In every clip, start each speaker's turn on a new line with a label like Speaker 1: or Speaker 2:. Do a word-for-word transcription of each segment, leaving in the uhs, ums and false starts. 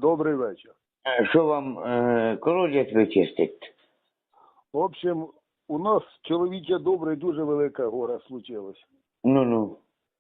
Speaker 1: Добрий вечір.
Speaker 2: Е, Що вам е, колодязь вичистить?
Speaker 1: В общем, у нас чоловіче добре, дуже велике горе случилось.
Speaker 2: Ну-ну.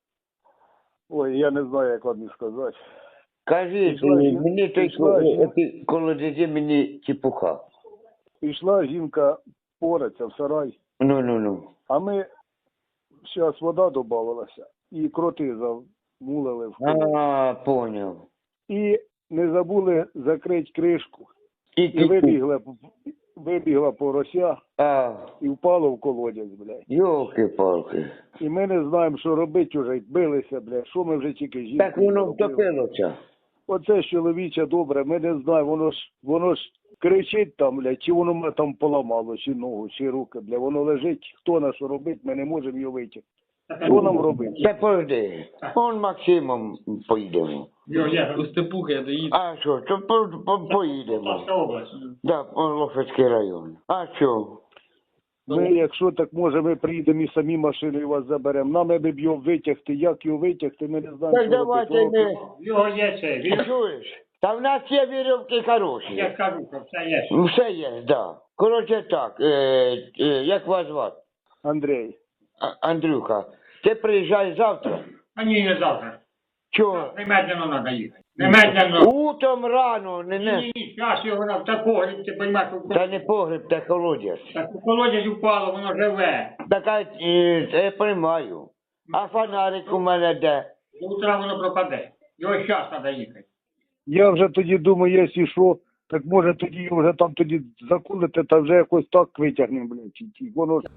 Speaker 1: Ой, я не знаю, як вам і сказати.
Speaker 2: Кажіть,
Speaker 1: Пішла жін-
Speaker 2: мені той
Speaker 1: пішла жін-
Speaker 2: ко- колодязі мені чепуха.
Speaker 1: Пішла жінка пореться в сарай,
Speaker 2: Ну-ну-ну.
Speaker 1: а ми, зараз вода додавалася, і кроти замулили в колодязь.
Speaker 2: А, поняв.
Speaker 1: І не забули закрити кришку.
Speaker 2: І,
Speaker 1: І вибігла, вибігла порося
Speaker 2: А,
Speaker 1: і впало в колодязь, блядь.
Speaker 2: йолки-палки.
Speaker 1: І ми не знаємо, що робити вже, билися, блядь. Що ми вже тільки жінки
Speaker 2: Так воно
Speaker 1: зробили.
Speaker 2: втопилося.
Speaker 1: Оце ж чоловіче добре, ми не знаємо, воно ж, воно ж кричить там, блядь, чи воно мене там поламало, чи ногу, чи руки, блядь, воно лежить, хто на що робить, ми не можемо його витягти. Що нам робити?
Speaker 2: Та пойди. Он Максимом поїдемо.
Speaker 3: Йо, я у Степуха я доїду.
Speaker 2: А що, то по, по, поїдемо.
Speaker 3: Полтавська область.
Speaker 2: Да, по Лохвицький район. А що?
Speaker 1: Ми, якщо так може, ми приїдемо і самі машиною вас заберемо. Нам аби б його витягти, як його витягти, ми не знаємо,
Speaker 2: Так
Speaker 1: що
Speaker 2: давайте
Speaker 1: робити.
Speaker 2: ми...
Speaker 3: Його є це. Він,
Speaker 2: Чуєш? Та в нас є вірьовки хороші.
Speaker 3: я кажу, що все є.
Speaker 2: Все є, да. Коротше так, е, е, як вас звати?
Speaker 1: Андрій,
Speaker 2: А- Андрюха, ти приїжджай завтра.
Speaker 3: А ні, не завтра.
Speaker 2: Чого?
Speaker 3: Немедленно треба їхати. Немедленно.
Speaker 2: Утром рано, не,
Speaker 3: Ні,
Speaker 2: не.
Speaker 3: ні, ні, зараз його на такого, ти розумієш,
Speaker 2: Та не погреб, та колодязь.
Speaker 3: так у колодязь упало, воно живе.
Speaker 2: Така, е, я приймаю. А фонарик у мене де?
Speaker 3: До утра воно пропаде. Його зараз треба їхати.
Speaker 1: я вже тоді думаю, якщо що, так може тоді його вже там тоді закулити, та вже якось так витягнемо, блядь, чи- чи воно ж.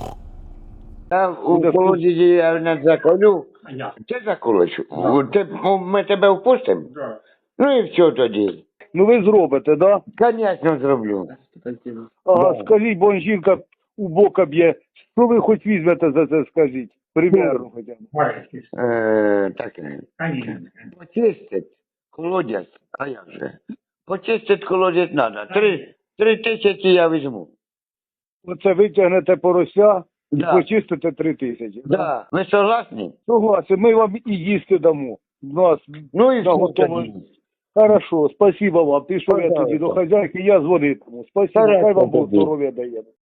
Speaker 2: Та у колодязі я не заколю.
Speaker 3: А я.
Speaker 2: Ти заколиш? Ти, ми тебе впустимо?
Speaker 3: Да.
Speaker 2: Ну і все тоді.
Speaker 1: Ну ви зробите, да?
Speaker 2: Звісно, зроблю.
Speaker 1: Ага,
Speaker 2: Да.
Speaker 1: скажіть, бо жінка у бока б'є. Що ви хоч візьмете за це, скажіть? Примерно хоча б.
Speaker 3: Бачиш,
Speaker 2: Е, так,
Speaker 3: Конечно.
Speaker 2: почистить колодязь, а як же? Почистить колодязь треба. Три, три тисячі я візьму.
Speaker 1: Оце витягнете порося і
Speaker 2: Да.
Speaker 1: почистите три тисячі.
Speaker 2: Да. Ви согласні?
Speaker 1: Согласен, ми вам і їсти дамо. У нас
Speaker 2: Ну і все
Speaker 1: наготово.
Speaker 2: тоді.
Speaker 1: Хорошо, спасибо вам. Пішов я
Speaker 2: Пожалуйста.
Speaker 1: тоді до хазяйки, я дзвонитиму. Спасибо,
Speaker 2: Хорошо
Speaker 1: хай вам Бог
Speaker 2: тоді.
Speaker 1: здоров'я дає.